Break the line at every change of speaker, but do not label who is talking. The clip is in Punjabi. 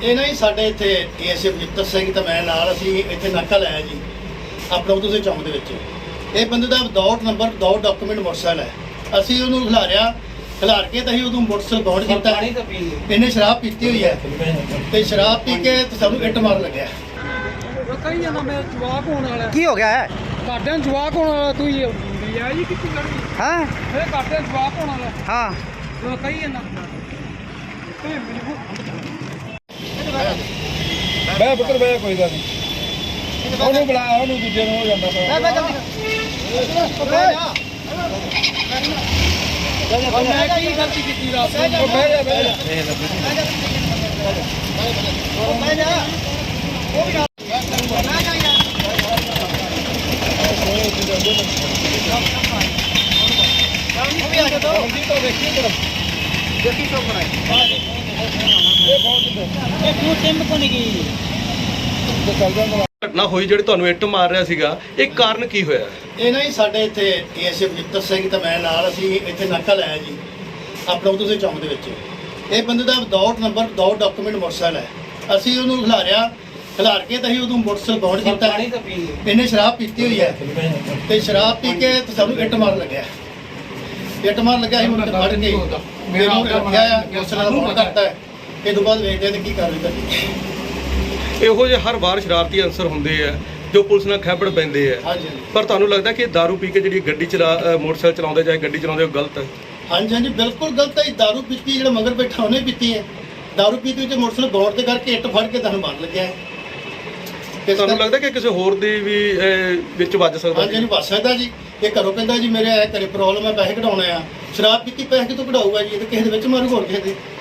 ਇਹ ਨਾ ਜੀ ਸਾਡੇ ਇੱਥੇ ਏਐਸਏ ਬਜਿੱਤਰ ਸਿੰਘ ਤੇ ਮੈਂ ਨਾਲ ਅਸੀਂ ਇੱਥੇ ਨਾਕਾ ਲਾਇਆ ਜੀ ਆਪਣਾ ਉਦੋਂ ਚੌਂਕ ਦੇ ਵਿੱਚ। ਇਹ ਬੰਦੇ ਦਾ without number without document motorcycle ਹੈ। ਅਸੀਂ ਉਹਨੂੰ ਖਿਲਾਰ ਕੇ ਤਾਂ ਅਸੀਂ ਉਦੋਂ ਮੋਟਰਸਾਈਕਲ ਬੌਂਡ ਕੀਤਾ। ਇਹਨੇ ਸ਼ਰਾਬ ਪੀਤੀ ਹੋਈ ਹੈ ਤੇ ਸ਼ਰਾਬ ਪੀ ਕੇ ਸਾਨੂੰ ਇੱਟ ਮਾਰਨ ਲੱਗਿਆ।
ਕਹੀ ਜਾਂਦਾ ਮੇਰਾ ਜਵਾਕ ਹੋਣ ਵਾਲਾ।
ਕੀ ਹੋ ਗਿਆ ਹੈ?
ਘਾਟੇ ਨੂੰ ਜਵਾਕ ਹੋਣ ਵਾਲਾ। ਤੂੰ ਇਹ ਜੀ ਕਿੱਥੇ ਕਰਨੀ?
ਹਾਂ
ਇਹ ਘਾਟੇ ਨੂੰ ਜਵਾਕ ਹੋਣ ਵਾਲਾ।
ਹਾਂ
ਤੂੰ ਕਹੀ ਜਾਂਦਾ
ਬੈ ਪੁੱਤਰ ਬੈ, ਕੋਈ ਗੱਲ ਨਹੀਂ। ਉਹਨੂੰ ਬੁਲਾ, ਉਹਨੂੰ ਦੂਜੇ ਨੂੰ ਹੋ ਜਾਂਦਾ
ਮੈਂ ਕੀ ਗਲਤੀ ਕੀਤੀ ਰਾਤ ਨੂੰ?
ਬਹਿ ਜਾ ਬਹਿ ਜਾ।
ਘਟਨਾ ਹੋਈ ਜਿਹੜੀ ਤੁਹਾਨੂੰ ਇੱਟ ਮਾਰ ਰਿਹਾ ਸੀਗਾ, ਇਹ ਕਾਰਨ ਕੀ ਹੋਇਆ?
ਇਹ ਨਾ ਜੀ ਸਾਡੇ ਇੱਥੇ ਏਐਸਏ ਬਜਿੱਤਰ ਸਿੰਘ ਤੇ ਮੈਂ ਨਾਲ ਅਸੀਂ ਇੱਥੇ ਨਾਕਾ ਲਾਇਆ ਜੀ ਆਪਣਾ ਉਦੋਂ ਚੌਂਕ ਦੇ ਵਿੱਚ। ਇਹ ਬੰਦੇ ਦਾ without number without document motorcycle ਹੈ। ਅਸੀਂ ਉਹਨੂੰ ਖਿਲਾਰ ਕੇ ਤਾਂ ਅਸੀਂ ਉਦੋਂ ਮੋਟਰਸਾਈਕਲ ਬੌਂਡ ਕੀਤਾ। ਇਹਨੇ ਸ਼ਰਾਬ ਪੀਤੀ ਹੋਈ ਹੈ ਤੇ ਸ਼ਰਾਬ ਪੀ ਕੇ ਸਾਨੂੰ ਇੱਟ ਮਾਰਨ ਲੱਗਿਆ। ਇੱਟ ਮਾਰਨ ਲੱਗਿਆ ਅਸੀਂ ਉਹਨੂੰ ਫੜ ਕੇ ਮੈਨੂੰ ਰੱਖਿਆ ਆ, ਮੋਟਰਸਾਈਕਲ ਬੌਂਡ ਕਰਤਾ ਹੈ। ਇਹ ਤੋਂ ਬਾਅਦ ਵੇਖਦੇ ਤੇ ਕੀ ਕਾਰਵਾਈ ਕਰਨੀ।
ਇਹੋ ਜਿਹੇ ਹਰ ਵਾਰ ਸ਼ਰਾਰਤੀ ਅਨਸਰ ਹੁੰਦੇ ਆ ਜੋ ਪੁਲਿਸ ਨਾਲ ਖੈਬੜ ਪੈਂਦੇ ਆ।
ਹਾਂਜੀ
ਪਰ ਤੁਹਾਨੂੰ ਲੱਗਦਾ ਕਿ ਦਾਰੂ ਪੀ ਕੇ ਜਿਹੜੀ ਗੱਡੀ ਮੋਟਰਸਾਈਕਲ ਚਲਾਉਂਦੇ ਜਾਂ ਗੱਡੀ ਚਲਾਉਂਦੇ ਉਹ ਗਲਤ ਹੈ?
ਹਾਂਜੀ ਬਿਲਕੁਲ ਗਲਤ ਹੈ। ਦਾਰੂ ਪੀਤੀ ਜਿਹੜਾ ਮਗਰ ਬੈਠਾ ਉਹਨੇ ਪੀਤੀ ਹੈ। ਦਾਰੂ ਪੀਤੀ ਤੇ ਮੋਟਰਸਾਈਕਲ ਬੌਂਡ ਤੇ ਕਰਕੇ ਇੱਟ ਫੜ ਕੇ ਤੁਹਾਨੂੰ ਮਾਰਨ ਲੱਗਿਆ।
ਤੇ ਤੁਹਾਨੂੰ ਲੱਗਦਾ ਕਿ ਕਿਸੇ ਹੋਰ ਦੀ ਵੀ ਵਿੱਚ ਵੱਜ ਸਕਦਾ?
ਹਾਂਜੀ ਵੱਜ ਸਕਦਾ ਜੀ। ਇਹ ਘਰੋਂ ਕਹਿੰਦਾ ਜੀ ਮੇਰੇ ਘਰੇ ਪ੍ਰੋਬਲਮ ਹੈ, ਪੈਸੇ ਕਢਾਉਣੇ ਆ। ਸ਼ਰਾਬ ਪੀਤੀ ਪੈਸੇ ਕਿਤੋਂ ਕਢਾਊਗਾ ਜੀ? ਇਹ ਤਾਂ ਕਿਸੇ ਦੇ ਵਿੱਚ ਮਾਰੂ ਹੋਰ ਕਿਸੇ ਦੇ।